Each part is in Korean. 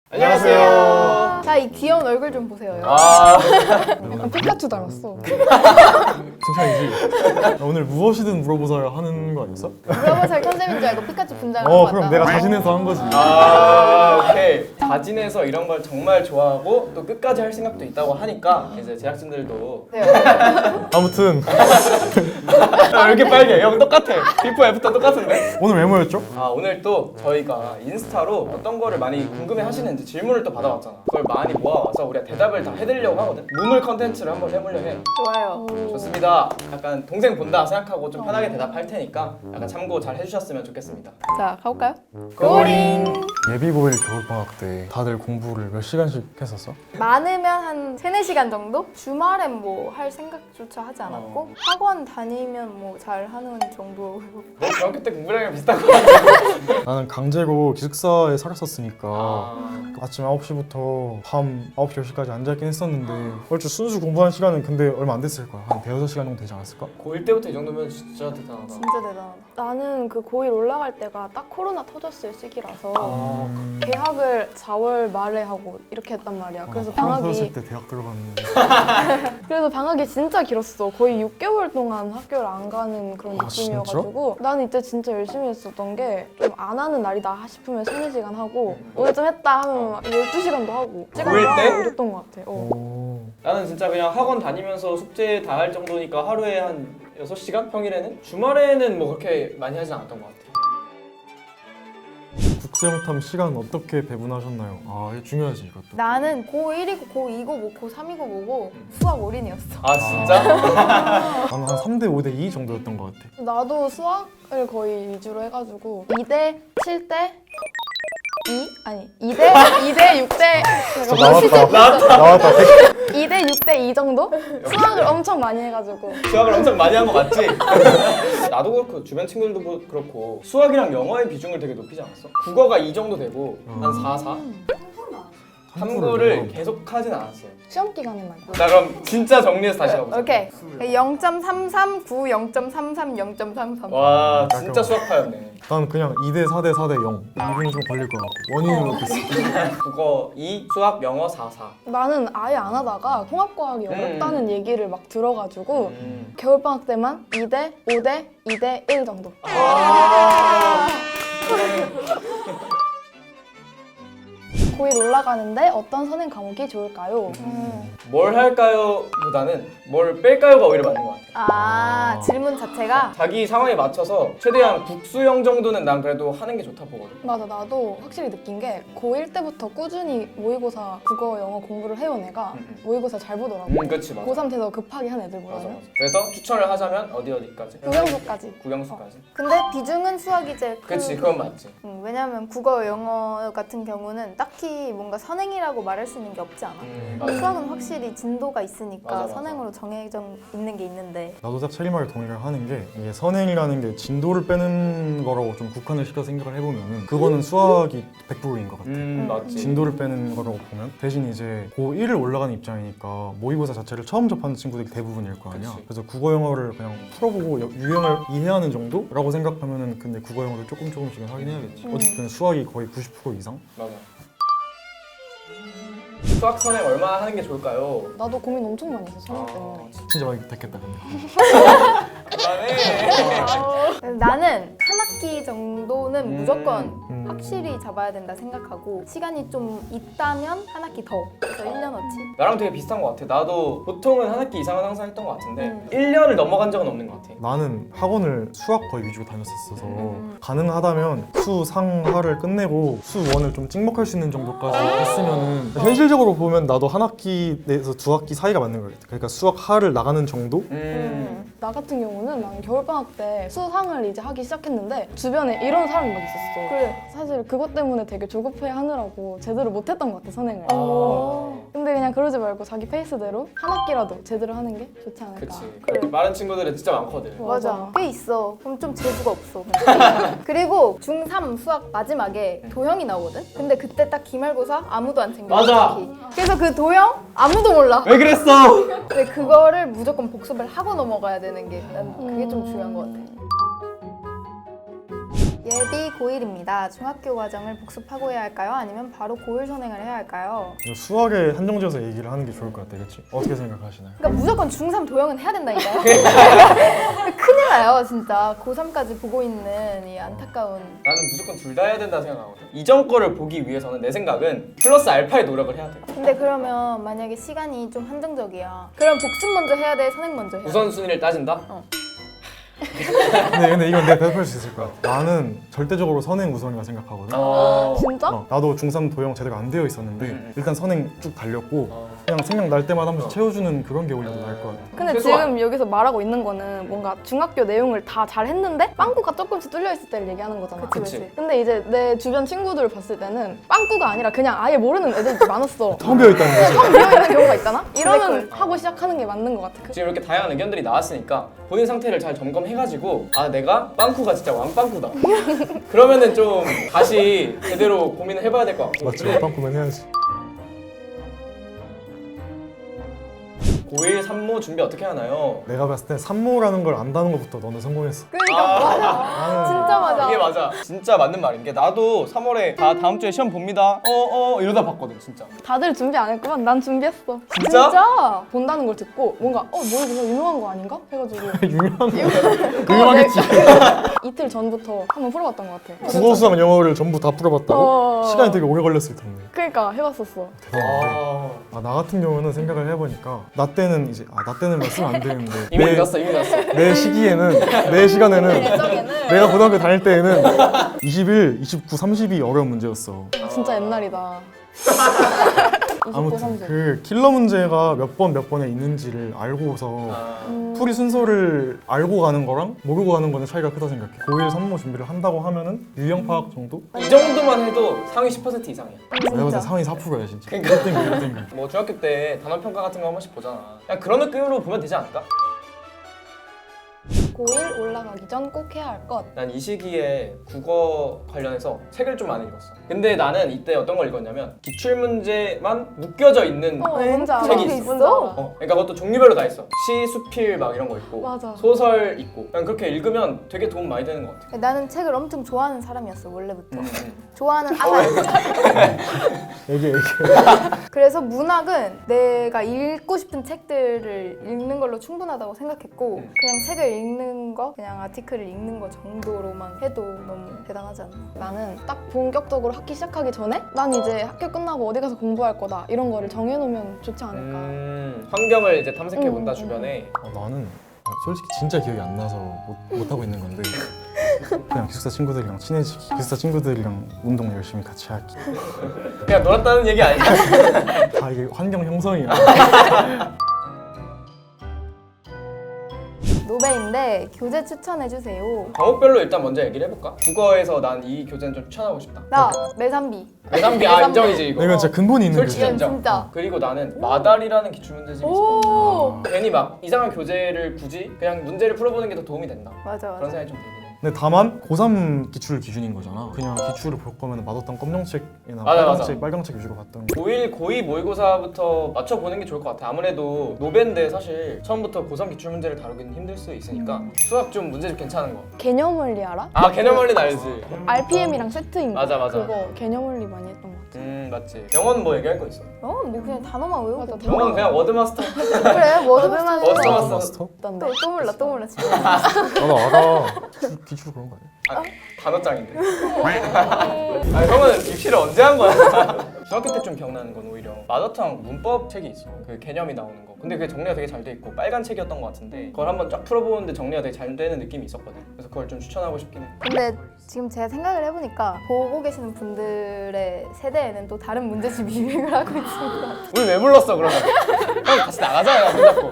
안녕하세요. 자, 이 귀여운 얼굴 좀 보세요. 약간 피카츄 닮았어. 칭찬이지. 오늘 무엇이든 물어보자 하는 거 아니었어? 물어보살 컨셉인 줄 알고 피카츄 분장을 하고 왔다. 그럼 내가 자신해서 한 거지. 오케이. 자진해서 이런 걸 정말 좋아하고 또 끝까지 할 생각도 있다고 하니까 이제 제작진들도 네. 아무튼 왜 이렇게 빨개? 형 똑같아. 비포 애프터 똑같은데? 오늘 왜 모였죠? 오늘 또 저희가 인스타로 어떤 거를 많이 궁금해 하시는지 질문을 또 받아왔잖아. 그걸 많이 모아와서 우리가 대답을 다 해드리려고 하거든. 문물 컨텐츠를 한번 해보려 해. 좋아요. 좋습니다. 약간 동생 본다 생각하고 좀 편하게 대답할 테니까 약간 참고 잘 해주셨으면 좋겠습니다. 자, 가볼까요? 고링! 예비 고일 겨울방학 때 다들 공부를 몇 시간씩 했었어? 많으면 한 3-4시간 정도? 주말엔 뭐 할 생각조차 하지 않았고 학원 다니면 뭐 잘 하는 정도. 너 중학교 때 공부량이랑 비슷한 거 같아. 나는 강제고 기숙사에 살았었으니까 아침 9시부터 밤 9시, 10시까지 앉아있긴 했었는데 얼추 순수 공부한 시간은 근데 얼마 안 됐을 거야. 한 대여섯 시간 정도 되지 않았을까? 고1 때부터 이 정도면 진짜 대단하다. 진짜 대단하다. 나는 그 고1 올라갈 때가 딱 코로나 터졌을 시기라서 아. 개학을 4월 말에 하고 이렇게 했단 말이야. 그래서 터졌을 방학이 때 대학 들어갔는데 진짜 길었어. 거의 6개월 동안 학교를 안 가는 그런 느낌이어가지고 나는 이때 진짜 열심히 했었던 게 좀 안 하는 날이다 싶으면 3-4시간 하고 오늘 좀 했다 하면 막 12시간도 하고 고1 때? 이랬던 것 같아. 오. 나는 진짜 그냥 학원 다니면서 숙제 다 할 정도니까 하루에 한 6시간? 평일에는? 주말에는 뭐 그렇게 많이 하진 않았던 것 같아. 국제영탐 시간 어떻게 배분하셨나요? 이게 중요하지 이것도. 나는 고1이고 고2고 뭐 고3이고 뭐고 수학 올인이었어. 아 진짜? 나는 한 3대 5대 2 정도였던 것 같아. 나도 수학을 거의 위주로 해가지고 2대 7대 2? 아니 2대 6대 나왔다. 2대 6대 2 정도? 수학을 엄청 많이 해가지고 수학을 엄청 많이 한 거 맞지? 나도 그렇고 주변 친구들도 그렇고 수학이랑 영어의 비중을 되게 높이지 않았어? 국어가 2 정도 되고 한 4, 4? 탐구를 계속 하진 않았어요. 시험 기간에만. 나 그럼 진짜 정리해서 다시 가보자. 오케이. 0.33, 9, 0.33, 0.33. 와 진짜 수학파였네. 난 그냥 2대 4대 4대 0. 이분은 좀 걸릴 것 같고 원인은 어땠어? 국어 2, 수학, 영어 4, 4. 나는 아예 안 하다가 통합과학이 어렵다는 얘기를 막 들어가지고 음. 겨울방학 때만 2대 5대 2대 1 정도. 고1 올라가는데 어떤 선행 과목이 좋을까요? 뭘 할까요? 보다는 뭘 뺄까요가 오히려 맞는 것 같아. 질문 자체가 자기 상황에 맞춰서 최대한 국수형 정도는 난 그래도 하는 게 좋다 보거든. 맞아, 나도 확실히 느낀 게 고1 때부터 꾸준히 모의고사 국어, 영어 공부를 해온 애가 모의고사 잘 보더라고. 그치 맞아. 고3 돼서 급하게 한 애들보다는. 맞아. 그래서 추천을 하자면 어디까지? 국영수까지. 국영수까지. 근데 비중은 수학이 제일 크고 그치 그건 맞지. 왜냐면 국어, 영어 같은 경우는 딱히 뭔가 선행이라고 말할 수 있는 게 없지 않아. 수학은 확실히 진도가 있으니까 맞아. 선행으로 정해져 있는 게 있는데 나도 딱 책임을 동의를 하는 게 이게 선행이라는 게 진도를 빼는 거라고 좀 국한을 시켜 생각을 해보면은 그거는 수학이 100%인 것 같아. 맞지. 진도를 빼는 거라고 보면 대신 이제 고1을 올라가는 입장이니까 모의고사 자체를 처음 접하는 친구들이 대부분일 거 아니야. 그치. 그래서 국어 영어를 그냥 풀어보고 유형을 이해하는 정도라고 생각하면은 근데 국어 영어를 조금씩은 하긴 해야겠지. 어쨌든 수학이 거의 90% 이상? 맞아. 수학 선행 얼마나 하는 게 좋을까요? 나도 고민 엄청 많이 했어, 선행 때문에. 진짜 많이 됐겠다 근데. 그만해. 나는 한 학기 정도는 무조건 음. 확실히 잡아야 된다 생각하고 시간이 좀 있다면 한 학기 더 그래서 1년어치 나랑 되게 비슷한 것 같아. 나도 보통은 한 학기 이상은 항상 했던 것 같은데 1년을 넘어간 적은 없는 것 같아. 나는 학원을 수학 거의 위주로 다녔었어서 가능하다면 수, 상, 하를 끝내고 수, 원을 좀 찍먹할 수 있는 정도까지 했으면은 현실적으로 보면 나도 한 학기 내에서 두 학기 사이가 맞는 것 같아. 그러니까 수학, 하를 나가는 정도? 나 같은 경우는 난 겨울방학 때 수상을 이제 하기 시작했는데 주변에 이런 사람이 막 있었어. 그래. 사실 그것 때문에 되게 조급해 하느라고 제대로 못했던 것 같아, 선행을. 근데 그냥 그러지 말고 자기 페이스대로 한 학기라도 제대로 하는 게 좋지 않을까. 그치. 그렇게 말하는 친구들은 진짜 많거든. 맞아. 꽤 있어. 그럼 좀 재주가 없어. 그리고 중3 수학 마지막에 도형이 나오거든? 근데 그때 딱 기말고사 아무도 안 챙겨. 맞아. 특히. 그래서 그 도형 아무도 몰라. 왜 그랬어? 근데 그거를 무조건 복습을 하고 넘어가야 되는 게 난 그게 좀 중요한 것 같아. 예비 고1입니다. 중학교 과정을 복습하고 해야 할까요? 아니면 바로 고1 선행을 해야 할까요? 이거 수학에 한정지어서 얘기를 하는 게 좋을 것 같아, 그렇지? 어떻게 생각하시나요? 그러니까 무조건 중3 도형은 해야 된다니까요? 큰일 나요, 진짜. 고3까지 보고 있는 이 안타까운. 나는 무조건 둘 다 해야 된다 생각하거든. 이전 거를 보기 위해서는 내 생각은 플러스 알파의 노력을 해야 돼. 근데 그러면 만약에 시간이 좀 한정적이야. 그럼 복습 먼저 해야 돼? 선행 먼저 해야 돼? 우선순위를 따진다? 근데 이건 내가 대답할 수 있을 것 같아. 나는 절대적으로 선행 우선이라 생각하거든. 진짜? 나도 중3 도형 제대로 안 되어 있었는데 일단 선행 쭉 달렸고 그냥 생각 날 때마다 한 번씩 채워주는 그런 게 오히려 더 나을 것 같아. 근데 최소한. 지금 여기서 말하고 있는 거는 뭔가 중학교 내용을 다 잘 했는데 빵꾸가 조금씩 뚫려 있을 때를 얘기하는 거잖아. 그치. 근데 이제 내 주변 친구들을 봤을 때는 빵꾸가 아니라 그냥 아예 모르는 애들이 많았어. 텅 비어 있다는 거지. 처음 비어있는 경우가 있잖아? 이러면 블랙홀. 하고 시작하는 게 맞는 것 같아. 지금 이렇게 다양한 의견들이 나왔으니까 본인 상태를 잘 점검해가지고 아 내가 빵꾸가 진짜 왕빵꾸다 그러면은 좀 다시 제대로 고민을 해봐야 될 것 같고 맞지? 근데 빵꾸면 해야지. 고1 산모 준비 어떻게 하나요? 내가 봤을 때 산모라는 걸 안다는 것부터 너는 성공했어. 그러니까 맞아. 나는 진짜 맞아. 이게 맞아 진짜 맞는 말인 게 나도 3월에 다 다음 주에 시험 봅니다 이러다 봤거든 진짜 다들 준비 안 했구만. 난 준비했어. 진짜? 본다는 걸 듣고 뭔가 뭐 이거 유명한 거 아닌가? 해가지고 유명한 거. 유명하겠지. 이틀 전부터 한번 풀어봤던 것 같아. 국어, 수학, 영어를 전부 다 풀어봤다고? 시간이 되게 오래 걸렸을 텐데. 그러니까 해봤었어. 대단한데. 나 같은 경우는 생각을 해보니까 나 때는 이제 나 때는 말쓰면 안 되는데 이미 늦었어 내 시기에는 내 시간에는 예정에는 내가 고등학교 다닐 때에는 21, 29, 30이 어려운 문제였어. 진짜 옛날이다. 29, 아무튼 30. 그 킬러 문제가 몇 번에 있는지를 알고서 풀이 순서를 알고 가는 거랑 모르고 가는 거는 차이가 크다 생각해. 고1 산모 준비를 한다고 하면은 유형 파악 정도? 이 정도만 해도 상위 10% 이상이야 내가 봤을 때 상위 4%야 진짜. 그러니까. 1등급 1등급. 뭐 중학교 때 단원평가 같은 거 한 번씩 보잖아 그냥 그런 느낌으로 보면 되지 않을까? 고1 올라가기 전 꼭 해야 할 것. 난 이 시기에 국어 관련해서 책을 좀 많이 읽었어 근데 나는 이때 어떤 걸 읽었냐면 기출문제만 묶여져 있는 뭔지 알아. 책이 있어? 뭔지 알아. 그러니까 그것도 종류별로 다 있어 시, 수필 막 이런 거 있고 맞아. 소설 있고 그냥 그렇게 읽으면 되게 도움 많이 되는 것 같아 나는 책을 엄청 좋아하는 사람이었어 원래부터. 음. 좋아하는 얘기해. 그래서 문학은 내가 읽고 싶은 책들을 읽는 걸로 충분하다고 생각했고 그냥 책을 읽는 거, 그냥 아티클을 읽는 거 정도로만 해도 너무 대단하지 않나? 나는 딱 본격적으로 학기 시작하기 전에 난 이제 학교 끝나고 어디 가서 공부할 거다 이런 거를 정해놓으면 좋지 않을까. 환경을 이제 탐색해 본다 음, 주변에 나는 솔직히 진짜 기억이 안 나서 못 하고 있는 건데 그냥 기숙사 친구들이랑 친해지기, 기숙사 친구들이랑 운동 열심히 같이 하기. 그냥 놀았다는 얘기 아니야? 다 이게 환경 형성이야. 노베인데 교재 추천해주세요. 과목별로 일단 먼저 얘기를 해볼까? 국어에서 난 이 교재는 좀 추천하고 싶다 나 매산비. 매산비 인정이지 이거 이건 진짜 근본이 있는 솔직히 거지. 인정 진짜. 그리고 나는 마달이라는 기출문제집이 있어 오 괜히 막 이상한 교재를 굳이 그냥 문제를 풀어보는 게 더 도움이 된다 맞아 그런 맞아. 생각이 좀 들긴 해 근데 다만 고3 기출 기준인 거잖아. 그냥 기출을 볼 거면 맛없던 검정책이나 맞아. 빨강책 위주로 봤던 거. 고1, 고2 모의고사부터 맞춰보는 게 좋을 것 같아 아무래도 노벤데 사실 처음부터 고3 기출문제를 다루기는 힘들 수 있으니까 수학 좀 문제 좀 괜찮은 거 개념 원리 알아? 아 개념 원리는 알지 RPM이랑 세트인 거. 맞아. 그거 개념 원리 많이 했던 것 같아. 맞지 영어는 뭐 얘기할 거 있어? 뭐 그냥 단어만 외우고. 맞아, 영어는 그냥 워드마스터 그래 워드만 워드마스터. 마스터? 있던데. 또 몰라 진짜. 나도 알아. 기출 그런 거 아니야? 단어장인데 아니 형은 입시를 언제 한 거야? 중학교 때 좀 기억나는 건 오히려 마더탕 문법 책이 있어 그 개념이 나오는 거 근데 그게 정리가 되게 잘 돼 있고 빨간 책이었던 것 같은데 그걸 한번 쫙 풀어보는데 정리가 되게 잘 되는 느낌이 있었거든 그래서 그걸 좀 추천하고 싶긴 해 근데 지금 제가 생각을 해보니까 보고 계시는 분들의 세대에는 또 다른 문제집이 유행을 하고 있습니다. 우리 왜 불렀어 그러면? 형 같이 나가자 손잡고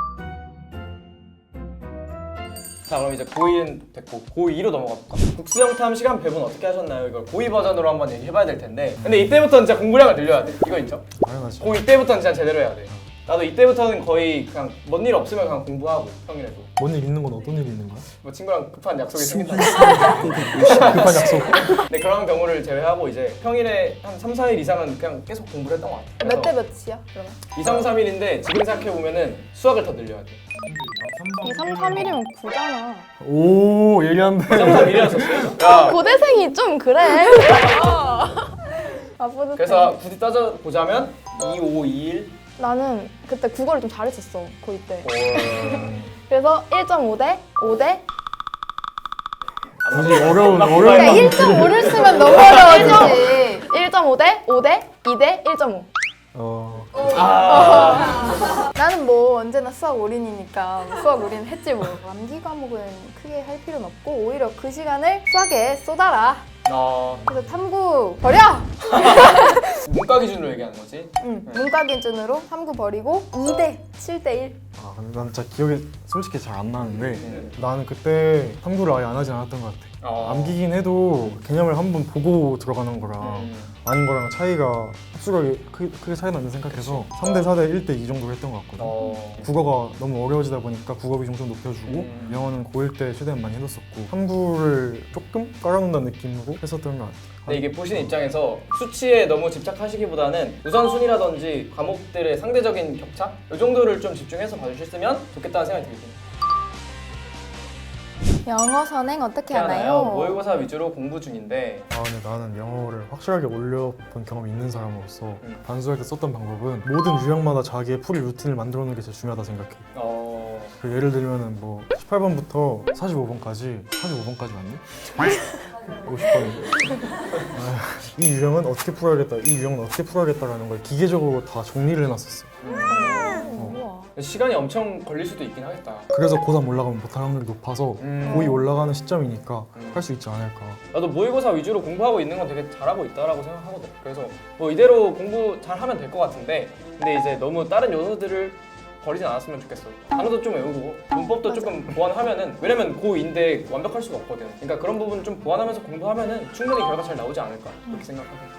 자 그럼 이제 고1은 됐고 고2로 넘어가 볼까? 국수영탐 시간 배분 어떻게 하셨나요? 이걸 고2 버전으로 한번 얘기해봐야 될 텐데 근데 이때부터는 진짜 공부량을 늘려야 돼 이거 인정? 당연하지. 고2 때부터는 진짜 제대로 해야 돼 나도 이때부터는 거의 그냥 뭔 일 없으면 그냥 공부하고 평일에도 뭔 일 있는 건 어떤 일이 있는 거야? 뭐 친구랑 급한 약속이 생긴다 급한 약속. 근데 그런 경우를 제외하고 이제 평일에 한 3, 4일 이상은 그냥 계속 공부를 했던 것 같아 몇 대 몇이야 그러면? 2, 3, 3일인데 지금 생각해보면은 수학을 더 늘려야 돼 2, 3, 3일이면 9잖아. 오 예리한데. 3일이었었어. 야, 고대생이 좀 그래. 아, 뿌듯해. 그래서 굳이 따져보자면 2, 5, 2, 1. 나는 그때 국어를 좀 잘했었어, 고2 때. 그래서 1.5대 5대 굳이 어려운 그러니까 1.5를 쓰면 너무 어려워지지. 1.5대 5대 2대 1.5. 나는 뭐 언제나 수학 올인이니까 수학 올인 했지 뭐. 암기 과목은 크게 할 필요는 없고 오히려 그 시간을 수학에 쏟아라. 그래서 탐구 버려! 문과 기준으로 얘기하는 거지. 응. 문과 기준으로 탐구 버리고 2대 7대 1. 아 근데 난 진짜 기억이 솔직히 잘 안 나는데 나는 그때 탐구를 아예 안 하진 않았던 것 같아. 암기긴 해도 개념을 한번 보고 들어가는 거랑 아닌 거랑 차이가 흡수력이 크게 차이 나는 생각해서 3대 4대 1대 2 정도 했던 것 같거든. 국어가 너무 어려워지다 보니까 국어 비중 좀 높여주고 영어는 고1 때 최대한 많이 해뒀었고 탐구를 조금 깔아놓는다는 느낌으로 했었던 것 같아. 근데 이게 보시는 입장에서 수치에 너무 집착하시기보다는 우선순위라든지 과목들의 상대적인 격차? 이 정도를 좀 집중해서 봐주셨으면 좋겠다는 생각이 들긴 해요. 영어 선행 어떻게 하나요? 하나요? 모의고사 위주로 공부 중인데 아 근데 나는 영어를 확실하게 올려본 경험이 있는 사람으로서 반수할 때 썼던 방법은 모든 유형마다 자기의 풀이 루틴을 만들어 놓는 게 제일 중요하다 생각해. 그 예를 들면은 뭐 18번부터 45번까지 45번까지 맞니? 50번인데 이 유형은 어떻게 풀어야겠다 이 유형은 어떻게 풀어야겠다라는 걸 기계적으로 다 정리를 해놨었어. 시간이 엄청 걸릴 수도 있긴 하겠다. 그래서 고3 올라가면 못할 확률이 높아서 고2 올라가는 시점이니까 할 수 있지 않을까. 나도 모의고사 위주로 공부하고 있는 건 되게 잘하고 있다라고 생각하거든. 그래서 뭐 이대로 공부 잘하면 될 것 같은데 근데 이제 너무 다른 요소들을 버리진 않았으면 좋겠어. 단어도 좀 외우고 문법도 조금 보완하면은 왜냐면 고2인데 완벽할 수가 없거든. 그러니까 그런 부분 좀 보완하면서 공부하면은 충분히 결과 잘 나오지 않을까 그렇게 생각하고.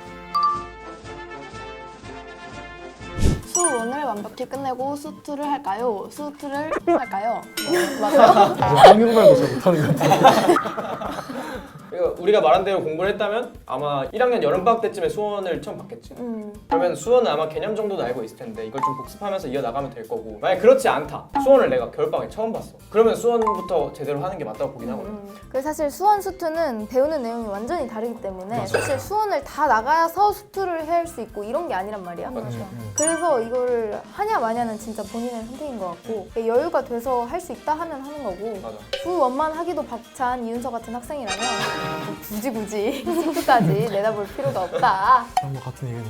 수1을 완벽히 끝내고 수2를 할까요? 수2를 할까요? 맞아요? 한국말도 잘 못하는 것 같아. 그러니까 우리가 말한 대로 공부를 했다면 아마 1학년 여름방학 때쯤에 수원을 처음 받겠지. 그러면 수원은 아마 개념 정도는 알고 있을 텐데 이걸 좀 복습하면서 이어나가면 될 거고 만약 그렇지 않다. 수원을 내가 겨울방학에 처음 봤어. 그러면 수원부터 제대로 하는 게 맞다고 보긴 하거든. 그래서 사실 수원 수투는 배우는 내용이 완전히 다르기 때문에 사실 수원을 다 나가서 수투를 할 수 있고 이런 게 아니란 말이야. 그래서 이거를 하냐 마냐는 진짜 본인의 선택인 것 같고 여유가 돼서 할 수 있다 하면 하는 거고 맞아. 수원만 하기도 벅찬 이윤서 같은 학생이라면 굳이 수투까지 내다볼 필요가 없다. 뭐 같은 의견이에요.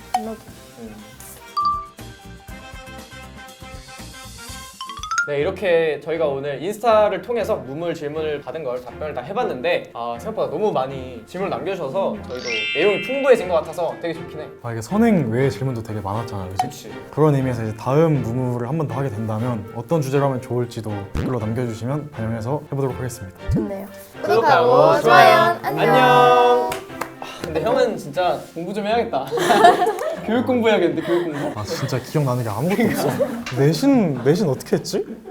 네, 이렇게 저희가 오늘 인스타를 통해서 무물 질문을 받은 걸 답변을 다 해봤는데 생각보다 너무 많이 질문을 남겨주셔서 저희도 내용이 풍부해진 것 같아서 되게 좋긴 해. 이게 선행 외의 질문도 되게 많았잖아, 그치? 그치. 그런 의미에서 이제 다음 무무를 한 번 더 하게 된다면 어떤 주제로 하면 좋을지도 댓글로 남겨주시면 반영해서 해보도록 하겠습니다. 좋네요. 구독하고 좋아요. 안녕. 근데 형은 진짜 공부 좀 해야겠다. 교육 공부해야겠는데 교육 공부. 아 진짜 기억나는 게 아무것도 없어. 내신 어떻게 했지?